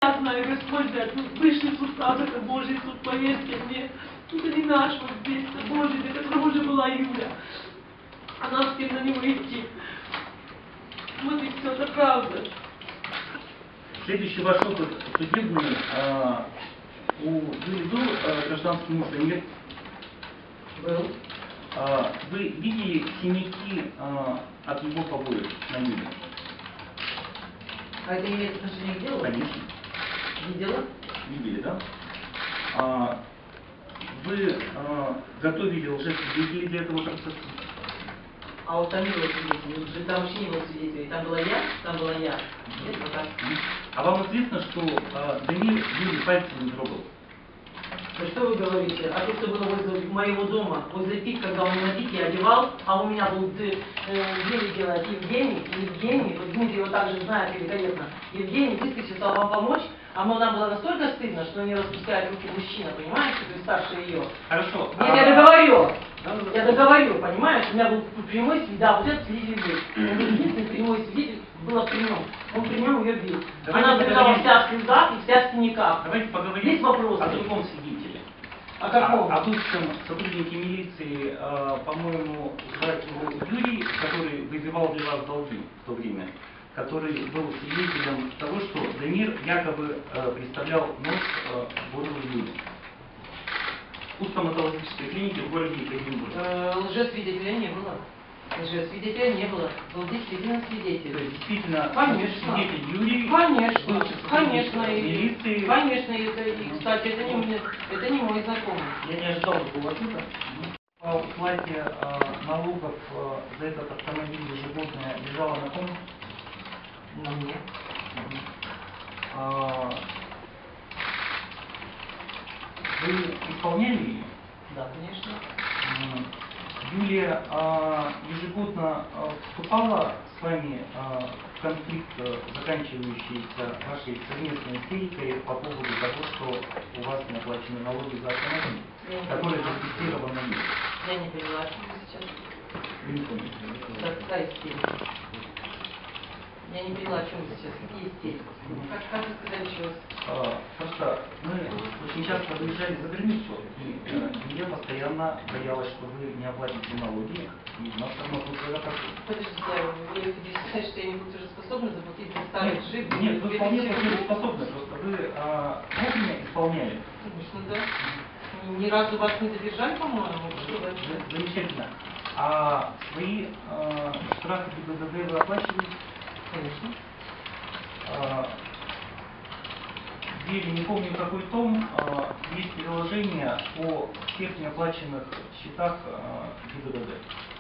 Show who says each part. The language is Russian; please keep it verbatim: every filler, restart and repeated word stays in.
Speaker 1: я знаю, Господь знает, ну, высший суд, правда, это Божий суд, поверьте мне. Это не наш вот здесь, это Божий, это которого уже была Юля. А нам всем на него идти. Вот и все, это правда.
Speaker 2: Следующий ваш опыт судебный. А, у Юли был а, гражданский муж или нет?
Speaker 1: Был.
Speaker 2: А, вы видели синяки а, от его побоев на Юле?
Speaker 1: А это имеет отношение к делу?
Speaker 2: Конечно.
Speaker 1: Видела?
Speaker 2: Видели, да? А, вы а, готовили лжесвидетелей для этого процесса?
Speaker 1: А вот там не было свидетелей, там вообще не было свидетелей. Там была я, там была я. Нет, пока.
Speaker 2: А вам известно, что а, Дамир Юле пальцем не трогал?
Speaker 1: Да что вы говорите? А то, что было возле моего дома, возле пик, когда он на пике одевал, а у меня был э, деле делает Евгений, Евгений, вот Дмитрий его также знает великолепно. Евгений выскочил вам помочь, а мне нам было настолько стыдно, что не распускает руки мужчина, понимаете, то есть старше ее.
Speaker 2: Хорошо.
Speaker 1: Нет,
Speaker 2: а...
Speaker 1: я договорю. Я договорю, понимаешь? У меня был прямой свидетель, да, вот этот свидетель был. Единственный прямой свидетель было при нем. Он при нем ее бил.
Speaker 2: Давайте
Speaker 1: Она прибегала
Speaker 2: поговорим.
Speaker 1: вся в слезах и вся в синяках.
Speaker 2: Давайте поговорим
Speaker 1: Есть вопросы?
Speaker 2: о другом свидетеле.
Speaker 1: О каком?
Speaker 2: О бывшем сотруднике милиции, э, по-моему, звать его Юрий, который вызывал для вас долги в то время, который был свидетелем того, что Дамир якобы э, представлял нож э, городу Юрию. У стоматологической клиники в городе Екатеринбурге.
Speaker 1: Э, лжесвидетеля не было. Лжесвидетеля не было. Был действительно
Speaker 2: То
Speaker 1: свидетель.
Speaker 2: есть действительно
Speaker 1: Конечно.
Speaker 2: свидетель Юрий,
Speaker 1: Конечно,
Speaker 2: бывший
Speaker 1: конечно,
Speaker 2: сотрудник
Speaker 1: и,
Speaker 2: милиции.
Speaker 1: конечно, и это, и, кстати, это не, мне- это не мой знакомый.
Speaker 2: Я не ожидал такого ответа. По уплате э, налогов э, за этот автомобиль ежегодно лежало на ком?
Speaker 1: На мне.
Speaker 2: А, вы исполняли ее?
Speaker 1: Да, конечно.
Speaker 2: М. Юлия а, ежегодно а, вступала с вами а, в конфликт, а, заканчивающийся вашей совместной истерикой по поводу того, что у вас не оплачены налоги за автомобиль,
Speaker 1: Я не
Speaker 2: который
Speaker 1: поняла.
Speaker 2: зарегистрирован на них?
Speaker 1: Я не поняла, о чем вы сейчас.
Speaker 2: Вы не помните?
Speaker 1: Да, какая истерика? Я не поняла, о чем вы сейчас. Какие истерики? Как, как вы сказали еще раз?
Speaker 2: А, просто мы очень часто выезжали за границу, и э, я постоянно боялась, что вы не оплатите налоги, и нас все равно тут запросили.
Speaker 1: Подождите, вы хотите сказать, что я не платежеспособна заплатить за старый джип?
Speaker 2: Нет, вы вполне
Speaker 1: две тысячи
Speaker 2: платежеспособны, просто вы а, вовремя исполняли.
Speaker 1: Конечно, да. Ни разу вас не задержали, по-моему. Что вы?
Speaker 2: З- Замечательно. А свои а, штрафы ГИБДД вы оплачивали?
Speaker 1: Конечно.
Speaker 2: А, Вере, не помню какой том, а, есть приложение о всех неоплаченных счетах а, ГИБДД.